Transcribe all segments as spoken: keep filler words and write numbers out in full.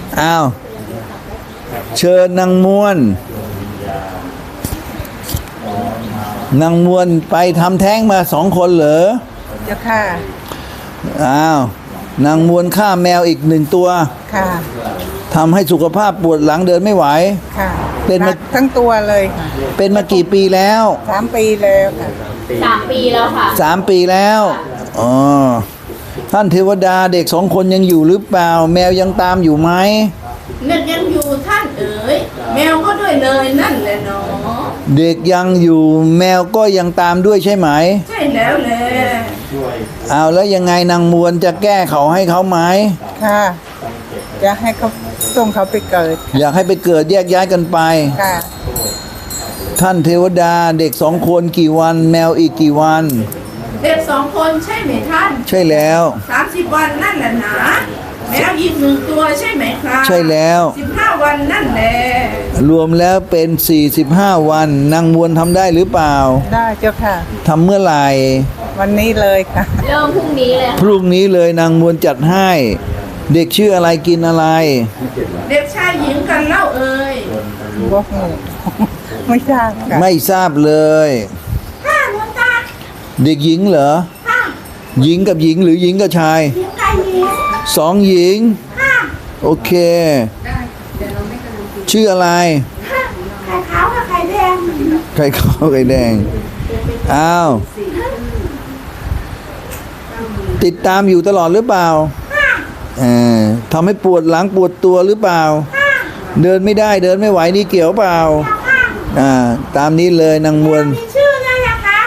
อ้าวเชิญนางมวลนางมวลไปทำแท้งมาสองคนเหรอเจ้าค่ะอ้าวนางมวลฆ่าแมวอีกหนึ่งตัวค่ะทำให้สุขภาพปวดหลังเดินไม่ไหวค่ะเป็นมาทั้งตัวเลยค่ะเป็นมากี่ปีแล้วสามปีแล้วค่ะสามปีแล้วค่ะสามปีแล้วอ๋อท่านเทวดาเด็กสองคนยังอยู่หรือเปล่าแมวยังตามอยู่ไหมเด็กยังอยู่ท่านเอ๋ยแมวก็ด้วยเลยนั่นแหละเนาะเด็กยังอยู่แมวก็ยังตามด้วยใช่ไหมใช่แล้วแหละเอาแล้วยังไงนางมวลจะแก้เขาให้เขาไหมค่ะอยากให้เขาส่งเขาไปเกิดอยากให้ไปเกิดแยกย้ายกันไปค่ะท่านเทวดาเด็กสองคนกี่วันแมวอีกกี่วันเด็กสองคนใช่ไหมท่านใช่แล้วสามสิบวันนั่นแหละนะแมวอีกหนึ่งตัวใช่ไหมครับใช่แล้วสิบห้าวันนั่นแหละรวมแล้วเป็นสี่สิบห้าวันนางมวลทำได้หรือเปล่าได้เจ้าค่ะทำเมื่อไหร่วันนี้เลยค่ะเริ่มพรุ่งนี้เลยพรุ่งนี้เลยนางมวลจัดให้เด็กชื่ออะไรกินอะไรเด็กชายหญิงกันเล่าเอ่ยไม่ทราบค่ะไม่ทราบเลยค่ะหลวงตาเด็กหญิงเหรอค่ะหญิงกับหญิงหรือหญิงกับชายหญิงกับหญิงสองหญิงค่ะโอเคชื่ออะไรค่ะไข่ขาวกับไข่แดงไข่ขาวไข่แดงอ้าวติดตามอยู่ตลอดหรือเปล่าเออทำให้ปวดหลังปวดตัวหรือเปล่าเดินไม่ได้เดินไม่ไหวนี่เกี่ยวเปล่าอ่าตามนี้เลยนางมวลมีชื่ออะไรนะคะ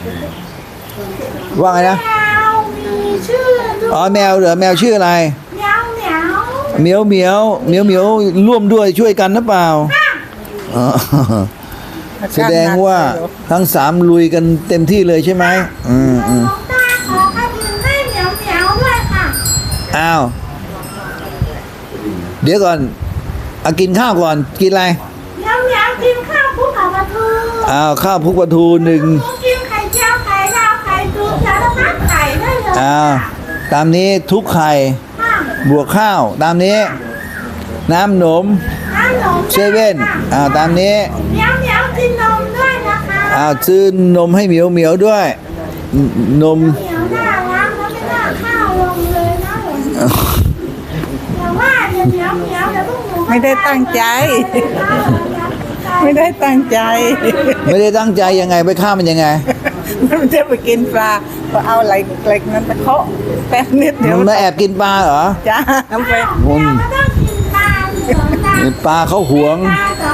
ว่าไงนะแมวมีชื่ออ๋อแมวเหรอแมวชื่ออะไรแมวเหมียวเหมียวเหมียวเหมียวเหมียวร่วมด้วยช่วยกันหรือเปล่าแสดงว่าทั้งสามลุยกันเต็มที่เลยใช่ไหมอืมอืมขอกระดิ่งให้เหมียวเหมียวด้วยค่ะอ้าวเดี๋ยวก่อนเอากินข้าวก่อนกินอะไรเหมียวเหมียวกินข้าวคลุกกับปลาทูอ้าวข้าวคลุกปลาทูหนึ่งกินไข่เจียวไข่ดาวไข่ตูสารพัดไข่ได้เลยอ้าวตามนี้ทุกไข่บวกข้าวตามนี้น้ำหนมน้ำหนมเซเว่นอ้าวตามนี้เหมียวเหมียวกินนมด้วยนะคะอ้าวซื้อนมให้เหมียวเหมียวด้วยนมเหมียวน่ารักแล้วไม่น่าข้าวลงเลยนะแต่ว่าเดี๋ยวเหมียวเหมียวเดี๋ยวพวกหนูไม่ได้ตั้งใจไม่ได้ตั้งใจไม่ได้ตั้งใจยังไงไปฆ่ามันยังไงมันจะไปกินปลาพอเอาอะไรเล็กนั้นไปเคาะแป๊บนิดเดียวมันมาแอบกินปลาเหรอจ้าทำไปมันปลาเขาหวง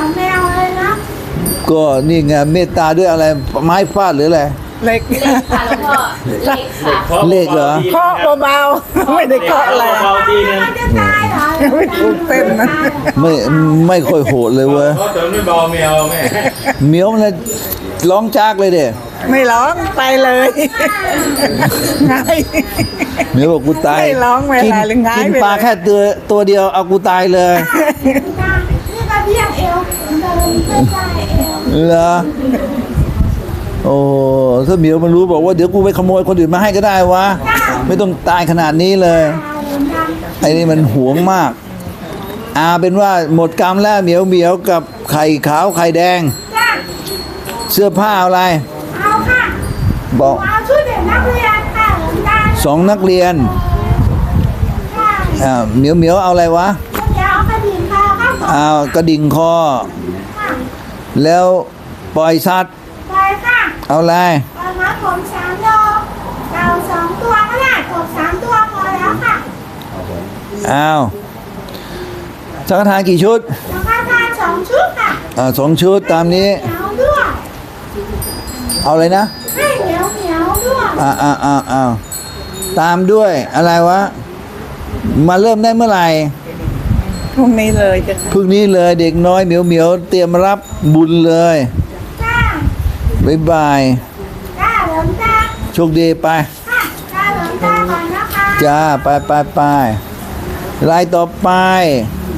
ก็นี่ไงเมตตาด้วยอะไรไม้ฟาดหรืออะไรเล็กค่ะแล้วก็เล็กค่ะเล็กเหรอเคาะเบาๆไม่ได้เคาะอะไรไม่ถูกเต้นนะไม่ไม่ค่อยโหดเลยเว้ยเขาเติมด้วยเบาเมียวแม่เมียวมันร้องจากเลยเด้ไม่ร้องไปเลยไงเมียวบอกกูตายไม่ร้องไม่ตายเลยไงกินปลาแค่ตัวตัวเดียวเอากูตายเลยนี่ก็เพียงเอวเดินไม่ได้เอวเหรอโอ้ถ้าเหมียวมันรู้บอกว่าเดี๋ยวกูไปขโมยคนอื่นมาให้ก็ได้วะไม่ต้องตายขนาดนี้เลยไอ้นี่มันหวงมากอาเป็นว่าหมดกรรมแล้วเหมียวเหมียวกับไข่ขาวไข่แดงเสื้อผ้าอะไรเอาค่ะบอกเอาชุดเด็กนักเรียนค่ะสองนักเรียนอ่าเหมียวเหมียวเอาอะไรวะเอากระดิ่งคอครับอ้าวกระดิ่งคอแล้วปล่อยสัตว์ไปค่ะเอาอะไรเอามาผมสามโลเต่าสองตัวก็ได้กบสามตัวพอแล้วค่ะอ้าวสังฆทานกี่ชุดสังฆทานสองชุดค่ะอ่าสองชุดตามนี้เอาด้วยเอาเลยนะให้เหนียวเหนียวด้วยอ่าอ่าอ่าอ่าตามด้วยอะไรวะมาเริ่มได้เมื่อไหร่พรุ่งนี้เลยจ้ะพรุ่งนี้เลยเด็กน้อยเหมียวเหมียวเตรียมรับบุญเลยบ๊ายบายจ้าหลวงตาโชคดีไปค่ะจ้าหลวงตาก่อนนะคะจ้าไปไปไปรายต่อไป